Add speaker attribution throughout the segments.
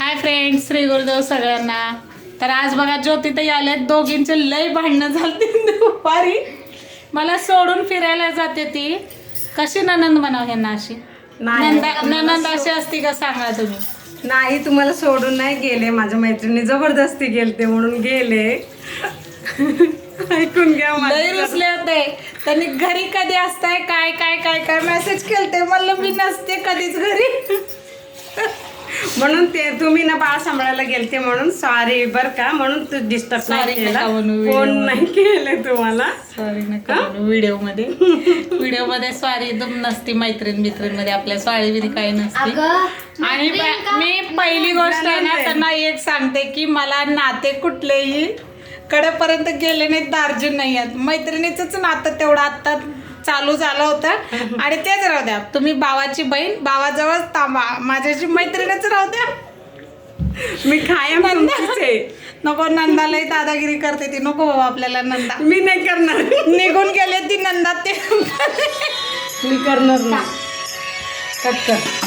Speaker 1: Hi friends, Shri Gurudev सगळ्यांना. तर आज बघा ज्योतिताई आले, दोघींचे लय भांडणं झालते दुपारी. मला सोडून फिरायला जाते ती. कशी ननंद म्हणाव ह्यांना अशी? ननंद अशी असती का सांगा तुम्ही?
Speaker 2: नाही, तुम्हाला सोडून नाही गेले, माझ्या मैत्रिणी जबरदस्ती गेलते म्हणून गेले. ऐकून घ्या.
Speaker 1: लय रुसले होते. त्यांनी घरी कधी असताय, काय काय काय काय मेसेज केलते. म्हणलं मी नसते कधीच घरी.
Speaker 2: म्हणून ते तुम्ही ना बाळ सांभाळायला गेलते म्हणून सॉरी बर का, म्हणून तू डिस्टर्ब नाही केला, फोन नाही केले तुम्हाला.
Speaker 1: सॉरी नका व्हिडिओ मध्ये सॉरी तुम नसती. मैत्रीण मध्ये आपल्या सॉरी बिरी काही नसती. आणि मी पहिली गोष्ट आहे ना त्यांना एक सांगते की मला नाते कुठलेही कडेपर्यंत गेले नाहीत, दार्जिन नाही आहेत. मैत्रिणीचंच नातं तेवढं आत्ता चालू झालं होतं आणि तेच राहू द्या. तुम्ही भावाची बहीण, भावाजवळ थांबा, माझ्याशी मैत्रिणीच राहू द्या.
Speaker 2: मी कायम
Speaker 1: नको नंदालाही दादागिरी करते ती. नको बाबा आपल्याला नंदा.
Speaker 2: मी नाही करणार.
Speaker 1: निघून गेले ती नंदा. ते
Speaker 2: मी करणार नाही. कट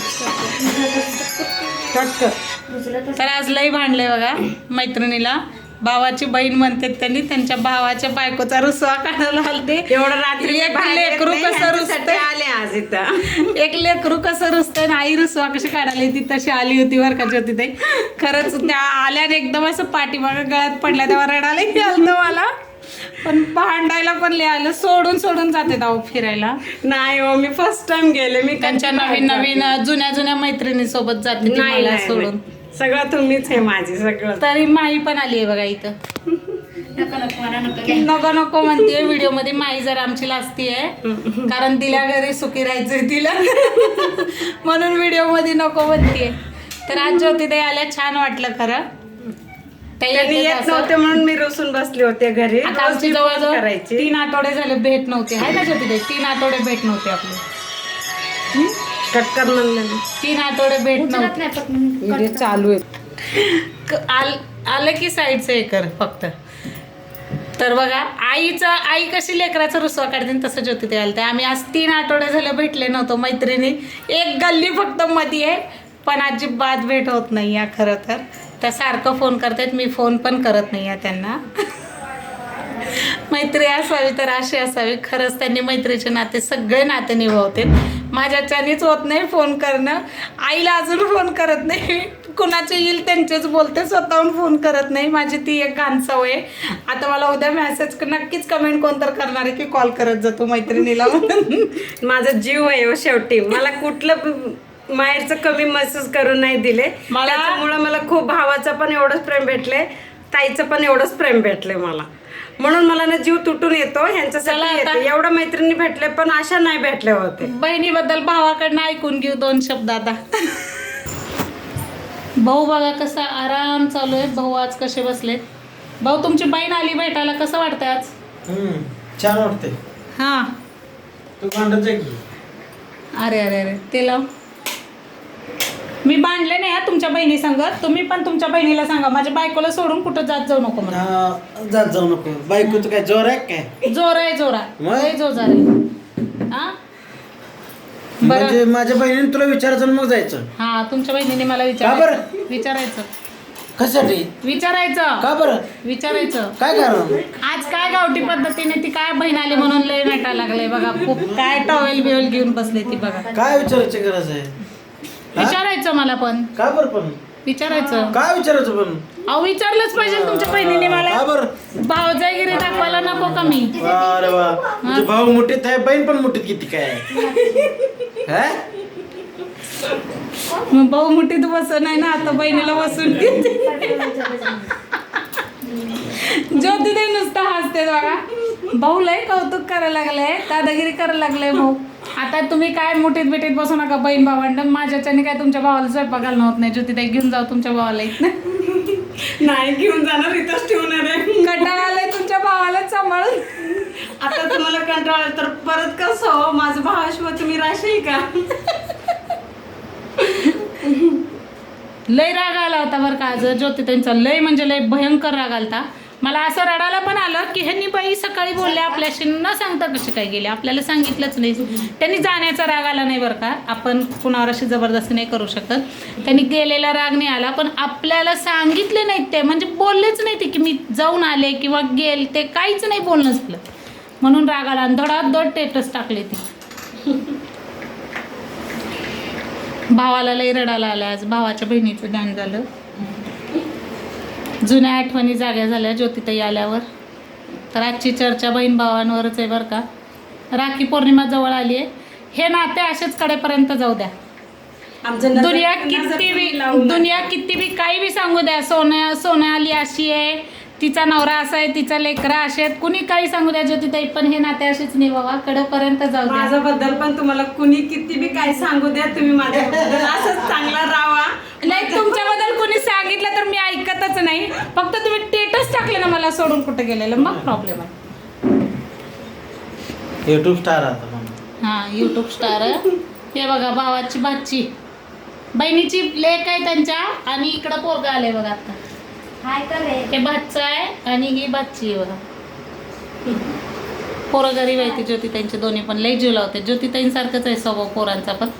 Speaker 2: कर.
Speaker 1: तर आज लई भांडले बघा मैत्रिणीला. भावाची बहीण म्हणते त्यांनी, त्यांच्या भावाच्या बायकोचा रुसवा काढायला आलते.
Speaker 2: एवढं रात्री
Speaker 1: एक लेकरू कसं रुसते
Speaker 2: आले आज इथं.
Speaker 1: एक लेकरू कसं रुसतंय ना, आई रुसवा कशी काढायला ती तशी आली होती बरं का ज्योतिताई. खरंच त्या आल्याने एकदम असं पाठीमागं गळ्यात पडल्या तेव्हा रडायलाही आलं मला. पण भांडायला पण लिहायला सोडून जाते जाऊ फिरायला.
Speaker 2: नाही हो, मी फर्स्ट टाइम गेले. मी
Speaker 1: त्यांच्या नवीन जुन्या मैत्रिणी सोबत जाते ती मला सोडून.
Speaker 2: सगळं तुम्हीच आहे माझी सगळं.
Speaker 1: तरी माई पण आली आहे बघा इथं. नको म्हणते व्हिडिओ मध्ये. माई जर आमची लाजती आहे कारण तिला घरी सुखी राहायचंय तिला, म्हणून व्हिडिओ मध्ये नको म्हणते. तर आज ज्योतिताई आल्या, छान वाटलं खरं.
Speaker 2: त्यांनी येत नव्हते म्हणून मी रुसून बसले होते घरी.
Speaker 1: आता आमची जवळजवळ 3 आठवडे झाले भेट नव्हते, आहे ना ज्योतिताई? 3 आठवडे भेट नव्हते आपले.
Speaker 2: कटकर म्हणलं
Speaker 1: 3 आठवडे भेट नव्हते.
Speaker 2: चालू आहे.
Speaker 1: आलं की साईडचं हे कर फक्त. तर बघा आई कशी लेकराचा रुसवा काढते तसं ज्योतिताई आलते. आम्ही आज 3 आठवडे झाले भेटले नव्हतो मैत्रिणी. एक गल्ली फक्त मध्ये आहे, पण अजिबात भेट होत नाही आहे. खरं तर त्या सारखं फोन करतात, मी फोन पण करत नाही आहे त्यांना. मैत्री असावी तर अशी असावी. खरंच त्यांनी मैत्रीचे नाते सगळे नाते निभावते. माझ्याच्यानेच होत नाही फोन करणं. आईला अजून फोन करत नाही. कुणाचे येईल त्यांचेच बोलते, स्वतःहून फोन करत नाही. माझी ती एक घाण सवय आहे. आता मला उद्या मेसेज नक्कीच कमेंट कोणतर करणार आहे की कॉल करत जातो मैत्रिणीला.
Speaker 2: माझा जीव आहे हो शेवटी. मला कुठलं माहेरचं कमी मेसेज करून नाही दिले. त्याच्यामुळं मला खूप भावाचं पण एवढंच प्रेम भेटले, ताईचं पण एवढंच प्रेम भेटले मला. म्हणून मला ना जीव तुटून येतो ह्यांच्यासाठी येते. एवढ्या मैत्रिणी भेटले पण अशा नाही भेटले होते.
Speaker 1: बहिणीबद्दल भावाकडनं ऐकून घेऊ 2 शब्द आता. भाऊ बघा कसा आराम चालू आहे. भाऊ आज कसे बसलेत. भाऊ तुमची बहीण आली भेटायला, कसं वाटतंय आज?
Speaker 3: छान वाटते.
Speaker 1: हा
Speaker 3: तू भांडत आहे.
Speaker 1: अरे अरे अरे ते लाव. मी भांडले नाही तुमच्या बहिणी सांगत. तुम्ही पण तुमच्या बहिणीला सांगा माझ्या बायकोला सोडून कुठं जात जाऊ नको म्हणून.
Speaker 3: जात जाऊ नको. बायकोचं काय जोर आहे काय?
Speaker 1: जोर आहे जोर आहे. हा
Speaker 3: म्हणजे माझ्या बहिणीने तुला विचारायचं आणि मग जायचं?
Speaker 1: हा तुमच्या बहिणीने मला विचारायचं.
Speaker 3: कशासाठी
Speaker 1: विचारायचं?
Speaker 3: का बरं
Speaker 1: विचारायचं?
Speaker 3: काय कारण?
Speaker 1: आज काय गावठी पद्धतीने ती काय बहीण आली म्हणून लय नटायला लागले बघा. खूप काय टॉवेल बिवेल घेऊन बसले ती बघा.
Speaker 3: काय विचारायची गरज आहे?
Speaker 1: विचारायचं मला पण.
Speaker 3: का बरं पण
Speaker 1: विचारायचं?
Speaker 3: काय विचारायचं पण?
Speaker 1: अहो विचारलंच पाहिजे तुमच्या बहिणीने मला.
Speaker 3: का बरं?
Speaker 1: भावजागिरी दाखवायला नको का मी?
Speaker 3: अरे वा, तुझे भाऊ मोठीत आहे, बहीण पण मोठीत किती काय?
Speaker 1: मग भाऊ मुठीत बस नाही ना, आता बहिणीला बसून घेते. ज्योतिताई नुसतं हसते बघा. भाऊ लय कौतुक करायला लागलंय, दादागिरी करायला लागलंय भाऊ. आता तुम्ही काय मुठीत बिटीत बसू नका बहीण भावंड. माझ्याच्याने काय तुमच्या भावाला स्वयंपाक घालणं होत नाही. ज्योतिताई घेऊन जाऊ तुमच्या भावाला इथं.
Speaker 2: नाही घेऊन जाणार, इथंच ठेवणार आहे.
Speaker 1: कंटाळा आलाय तुमच्या भावाला सांभाळून.
Speaker 2: आता तुम्हाला कंटाळा तर परत कसं हो, माझं भावाशिवाय तुम्ही राहशील का?
Speaker 1: लय राग आला होता बरं का आज ज्योतिताईंचा. लय म्हणजे लय भयंकर राग आलता. मला असं रडायला पण आलं की ह्यांनी बाई सकाळी बोलले आपल्याशी न सांगता कसे काय गेले, आपल्याला सांगितलंच नाही. त्यांनी जाण्याचा राग आला नाही बरं का, आपण कुणावर अशी जबरदस्ती नाही करू शकत. त्यांनी गेलेला राग नाही आला, पण आपल्याला सांगितले नाहीत ते, म्हणजे बोललेच नाही ते की मी जाऊन आले किंवा गेल, ते काहीच नाही बोलणं झालं, म्हणून राग आला आणि धडाधड स्टेटस टाकले ती. भावाला लई रडायला आलं आज, भावाच्या बहिणीचं ध्यान झालं. जुन्या आठवणी जाग्या झाल्या ज्योतिताई आल्यावर. तर आजची चर्चा बहीण भावांवरच आहे बरं का. राखी पौर्णिमा जवळ आली आहे, हे नाते असेच कडेपर्यंत जाऊ द्या. दुनिया किती बी काही बी सांगू द्या, सोन्या आली अशी आहे, तिचा नवरा असा आहे, तिचा लेकरा असे आहेत, कुणी काही सांगू द्या ज्योतिताई, पण हे नाते असेच नाही बाबा, कडेपर्यंत जाऊ द्या.
Speaker 2: माझ्याबद्दल पण तुम्हाला कुणी किती बी काही सांगू द्या, तुम्ही माझ्याबद्दल असंच चांगला राहा.
Speaker 1: नाही, तुमच्याबद्दल कुणी सांगितलं तर मी ऐकतच नाही, फक्त तुम्ही स्टेटस टाकले ना मला सोडून कुठे गेलेलं, मग प्रॉब्लेम आहे.
Speaker 3: युट्यूब स्टार आता
Speaker 1: हां, यूट्यूब स्टार. हे बघा भावाची भाची, बहिणीची लेक आहे त्यांच्या, आणि इकडं पोरगा आलंय बघा आता. हे भाचा आहे आणि ही भाची आहे बघा. पोरं गरीब आहे ती ज्योतिताईंचे दोन्ही पण, लई जीव लावते. ज्योतिताईंसारखंच आहे स्वभाव पोरांचा पण.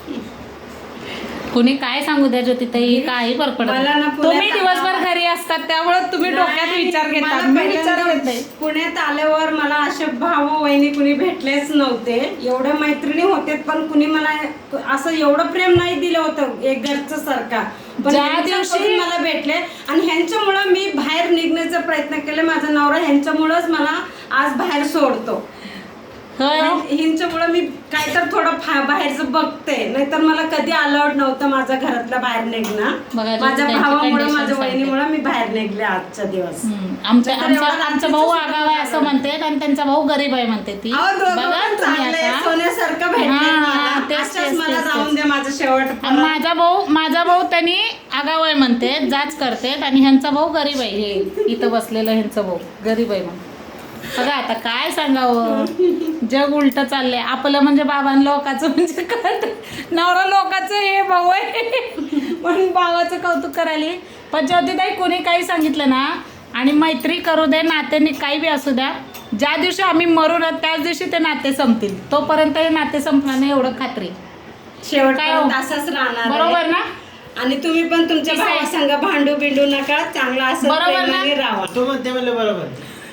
Speaker 1: कुणी काय सांगू द्या ज्योतिताई, काही फरक पडत नाही. तुम्ही दिवसभर घरी असतात त्यामुळे तुम्ही डोक्यात विचार घेतात, मी विचार घेत नाही.
Speaker 2: पुण्यात आल्यावर मला असे भाऊ वहिनी कुणी भेटलेच नव्हते. एवढ्या मैत्रिणी होते पण कुणी मला असं एवढं प्रेम नाही दिलं होतं एक घरचं सारखा. पण
Speaker 1: ज्या दिवशी
Speaker 2: मला भेटले आणि ह्यांच्यामुळं मी बाहेर निघण्याचा प्रयत्न केला. माझा नवरा ह्यांच्यामुळंच मला आज बाहेर सोडतो. हिंच्यामुळे मी काय तर थोडं बाहेरचं बघते, नाहीतर मला कधी अलाउड नव्हतं माझ्या घरातल्या बाहेर निघणं. माझ्या भावामुळे, माझ्या वहिनीमुळे मी बाहेर निघले आजचा दिवस.
Speaker 1: आमचा भाऊ आगाव आहे असं म्हणते आणि त्यांचा भाऊ गरीब आहे म्हणते ती.
Speaker 2: सोन्यासारखं भेटलं, मला जाऊन द्या माझं शेवट.
Speaker 1: माझा भाऊ त्यांनी आगाव आहे म्हणते, जाच करते, आणि ह्यांचा भाऊ गरीब आहे. हे इथं बसलेलं ह्यांचा भाऊ गरीब आहे म्हणून. बघा आता काय सांगावं, जग उलट चाललंय आपलं. म्हणजे बाबां लोकांचं म्हणजे नवरा लोकांचं हे भाऊ आहे म्हणून भावाचं कौतुक करायला. पण ज्योतिताई कोणी काही सांगितलं ना, आणि मैत्री करू दे, नात्याने काही बी असू द्या, ज्या दिवशी आम्ही मरू ना त्याच दिवशी ते नाते संपतील. तोपर्यंत हे नाते संपणार नाही एवढं खात्री.
Speaker 2: शेवट काय असंच राहणार,
Speaker 1: बरोबर ना.
Speaker 2: आणि तुम्ही पण तुमच्या भावासंग भांडू बिंडू नका, चांगला असं
Speaker 1: बरोबर ना
Speaker 3: राहा. तो म्हणते म्हणलं बरोबर.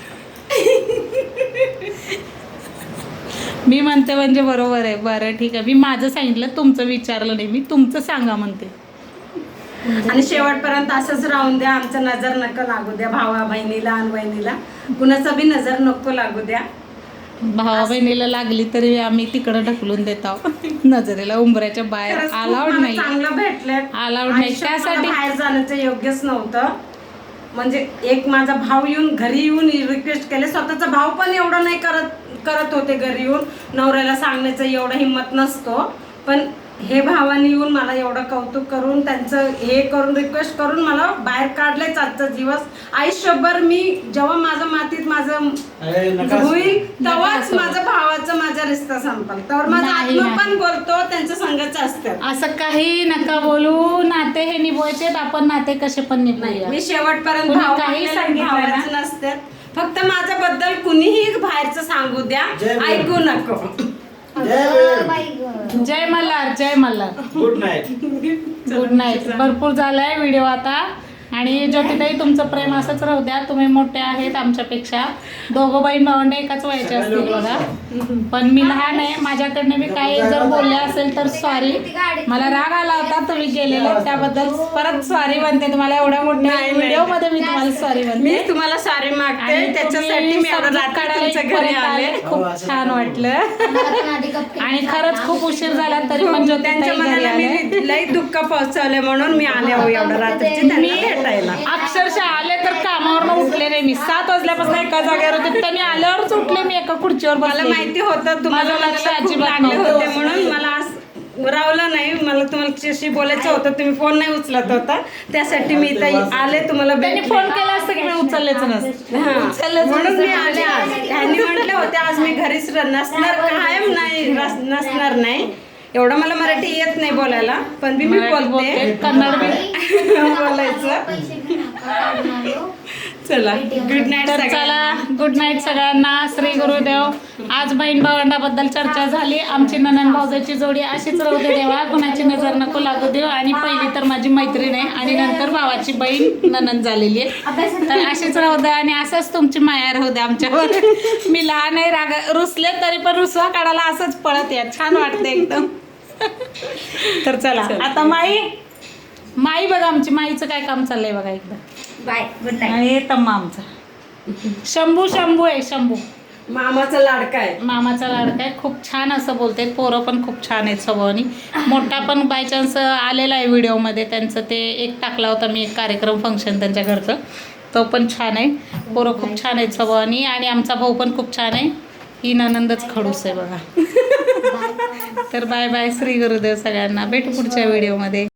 Speaker 1: मी म्हणते म्हणजे बरोबर आहे. बरं ठीक आहे, मी माझं सांगितलं, तुमचं विचारलं नाही, मी तुमचं सांगा म्हणते.
Speaker 2: आणि शेवटपर्यंत असंच राहून द्या. आमचं नजर नको लागू द्या भावा बहिणीला आणि बहिणीला, कुणाचं बी नजर नको लागू द्या.
Speaker 1: भावा बहिणीला लागली तरी आम्ही तिकडं ढकलून देतो नजरेला, उंबऱ्याच्या बाहेर. अलाउड नाही,
Speaker 2: चांगलं भेटलंय,
Speaker 1: अलाउड नाही. त्यासाठी
Speaker 2: बाहेर जाण्याचं योग्यच नव्हतं. म्हणजे एक माझा भाऊ येऊन घरी येऊन रिक्वेस्ट केले, स्वतःचा भाव पण एवढं नाही करत होते घरी येऊन, नवऱ्याला सांगण्याचं एवढं हिंमत नसतो. पण हे भावाने येऊन मला एवढं कौतुक करून, त्यांचं हे करून, रिक्वेस्ट करून मला बाहेर काढलेच आजचा दिवस. आयुष्यभर मी जेव्हा माझं मातीत माझं होईल तेव्हाच माझ्या भावाचा माझा रिश्ता संपल, तर माझा आत्मा पण बोलतो त्यांच्या संघाचं असतं.
Speaker 1: असं काही नका बोलू, नाते हे निभवायचे, आपण नाते कसे पण निभवूया.
Speaker 2: मी शेवटपर्यंत काही सांगितलं नसते, फक्त माझ्याबद्दल कुणीही बाहेरचं सांगू द्या, ऐकू नको.
Speaker 1: जय मल्हार, जय Malhar.
Speaker 3: Good night.
Speaker 1: Good night. भरपूर झालाय व्हिडिओ आता. आणि ज्योतिताई तुमचं प्रेम असंच राहू द्या. तुम्ही मोठे आहेत आमच्यापेक्षा, दोघं बहीण भावंडे एकाच वयाचे असतील बघा, पण मी लहान आहे. माझ्याकडनं मी काही जर बोलले असेल तर सॉरी. मला राग आला होता तुम्ही गेलेले, त्याबद्दल परत सॉरी म्हणते तुम्हाला. एवढ्या मोठ्या व्हिडिओ मध्ये मी तुम्हाला सॉरी म्हणते.
Speaker 2: मी तुम्हाला सॉरी मागते, त्याच्यासाठी मी घरी आले.
Speaker 1: खूप छान वाटलं आणि खरंच खूप उशीर झाला तरी पण
Speaker 2: त्यांच्या मनाला मी लई दुःख पोहोचवले म्हणून मी आले हो एवढं रात्रीची.
Speaker 1: अक्षरशः आले तर कामावर उठले नाही मी. 7 वाजल्यापासून एका जागेवर होते, त्यांनी आल्यावरच उठले. मी एका खुर्चीवर
Speaker 2: मला माहिती होतं तुम्हाला लक्ष अजिबात होते म्हणून मला रावलं नाही. मला तुम्हाला बोलायचं होतं, तुम्ही फोन नाही उचलत होता, त्यासाठी मी इथं आले. तुम्हाला
Speaker 1: त्यांनी फोन केला असतं की मी उचललेच नसतं,
Speaker 2: म्हणून मी आले. आज त्यांनी म्हटले होते आज मी घरीच नसणार, कायम नाही नसणार नाही. एवढं मला मराठी येत नाही बोलायला, पण मी बोलते,
Speaker 1: कन्नड बी
Speaker 2: बोलायचं. चला गुड नाईट
Speaker 1: तर चला गुड नाईट सगळ्यांना. श्री गुरुदेव. आज बहीण भावंडाबद्दल चर्चा झाली. आमची ननंद भाऊजाची जोडी अशीच राहू दे देवा, कुणाची नजर नको लागू देव. आणि पहिली तर माझी मैत्रीण आहे आणि नंतर भावाची बहीण ननंद झालेली आहे. तर अशीच राहू दे आणि असंच तुमची माया राहू दे आमच्यावर. मी लहान आहे, राग रुसले तरी पण रुसवा काढायला असंच पळत या, छान वाटते एकदम. तर चला आता माई बघा, आमची माईचं काय काम चाललंय बघा एकदा.
Speaker 4: Bye good night.
Speaker 1: आणि तम्मा आमचा शंभू आहे. शंभू
Speaker 2: मामाचा लाडका आहे.
Speaker 1: मामाचा लाडका आहे. खूप छान असं बोलते. पोरं पण खूप छान आहेत स्वभावानी. मोठा पण बाय चान्स आलेला आहे व्हिडिओमध्ये. त्यांचं ते एक टाकला होता मी, एक कार्यक्रम फंक्शन त्यांच्या घरचं, तो पण छान आहे. पोरं खूप छान आहेत स्वभावानी. आणि आमचा भाऊ पण खूप छान आहे. ही ननंदच खडूस आहे बघा. तर बाय बाय. श्री गुरुदेव सगळ्यांना. भेटू पुढच्या व्हिडिओमध्ये.